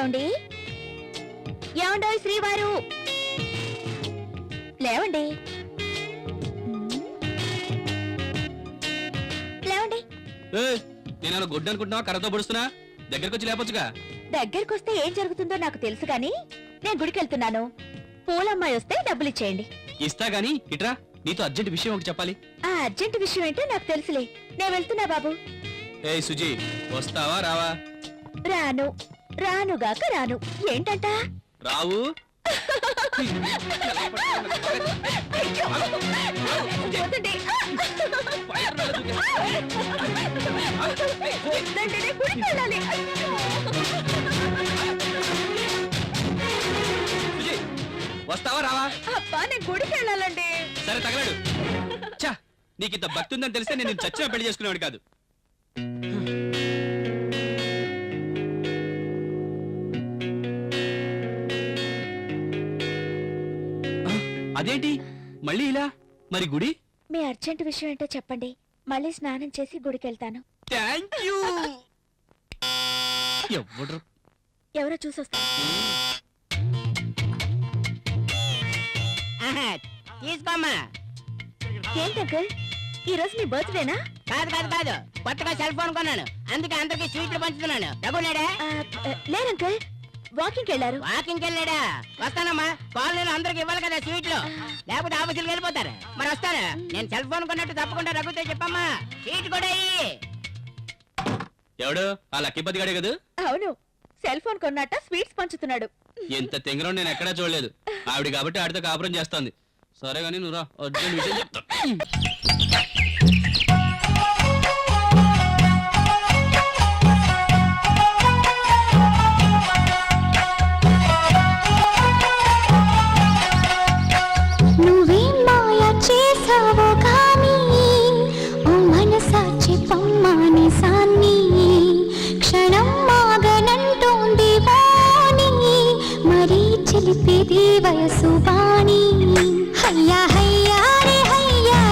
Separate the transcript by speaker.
Speaker 1: ఏమండి ఏమండోయ్ శ్రీవారు లేవండి లేవండి.
Speaker 2: నేను గుడ్డు అనుకుంటున్నావా? కర్రతో పొడుస్తున్నా, దగ్గరకు వచ్చి లేపొచ్చుగా.
Speaker 1: దగ్గరకొస్తే ఏం జరుగుతుందో నాకు తెలుసు గాని నేను గుడికి వెళ్తున్నాను. పూలమ్మాయి వస్తే డబ్బులు ఇచ్చేయండి.
Speaker 2: ఇస్తా గాని ఇట్రా, నీతో అర్జెంట్ విషయం ఒకటి చెప్పాలి.
Speaker 1: ఆ అర్జెంట్ విషయం ఏంటో నాకు తెలుసులే. నేను వెళ్తున్నా బాబు.
Speaker 2: ఏయ్ సుజీ, వస్తావా రావా?
Speaker 1: రాను రానుగాక రాను. ఏంటంట?
Speaker 2: రావు.
Speaker 1: వద్దండి. వద్దండి, నేను గుడికి వెళ్ళాలి.
Speaker 2: సుజీ, వస్తావా రావా?
Speaker 1: అబ్బా నేను గుడికి వెళ్ళాలండి.
Speaker 2: సరే తగలడు. చా, నీకింత భక్తి ఉందని తెలిస్తే నేను చచ్చిన పెళ్లి చేసుకునేవాడు కాదు. అదేంటి మళ్ళీ ఇలా? మరి గుడి?
Speaker 1: మీ అర్జెంట్ విషయం ఏంటో చెప్పండి. మళ్ళీ స్నానం చేసి గుడికి వెళ్తాను.
Speaker 2: Thank you.
Speaker 1: ఎవరో చూసొస్తారు.
Speaker 3: తీసుకోమ్మా.
Speaker 1: ఏంటి అంకుల్, ఈ రోజు మీ బర్త్డేనా?
Speaker 3: కాదు కాదు కాదు, కొత్తగా సెల్ ఫోన్ కొన్నాను, అందుకే అందరికి స్వీట్లు పంచుతున్నాను. రఘునాడే
Speaker 1: లేరంకుల్, వాకింగ్ వెళ్ళారు.
Speaker 3: వాకింగ్ వెళ్ళాడా? వస్తానమ్మా, కాలనీలో అందరికి ఇవ్వాలి కదా స్వీట్లు, లేకపోతే ఆఫీసులకు వెళ్ళిపోతారు. మరి వస్తాను. నేను సెల్ ఫోన్ కొన్నట్టు తప్పకుండా రఘుతో చెప్పమ్మా, స్వీట్ కూడా ఇయ్యి.
Speaker 2: ఎవడు? ఆ లక్కీపతి గడే కదా?
Speaker 1: అవును, సెల్ ఫోన్ కొన్నట్ట స్వీట్స్ పంచుతున్నాడు.
Speaker 2: ఎంత తెంగరం నేను ఎక్కడా చూడలేదు. ఆవిడ కాబట్టి ఆడితో కాపురం చేస్తోంది. సరే గానీ నువ్వు రా, అర్జెంట్ విషయం చెప్తా.
Speaker 4: నువ్వేం మాయ చేసావో కానీ ఓ మనసాచి పమ్మాని సాన్ని క్షణం మాగనంటోంది వాణి, మరీ చిలిపేది వయసు వాణి. అయ్యా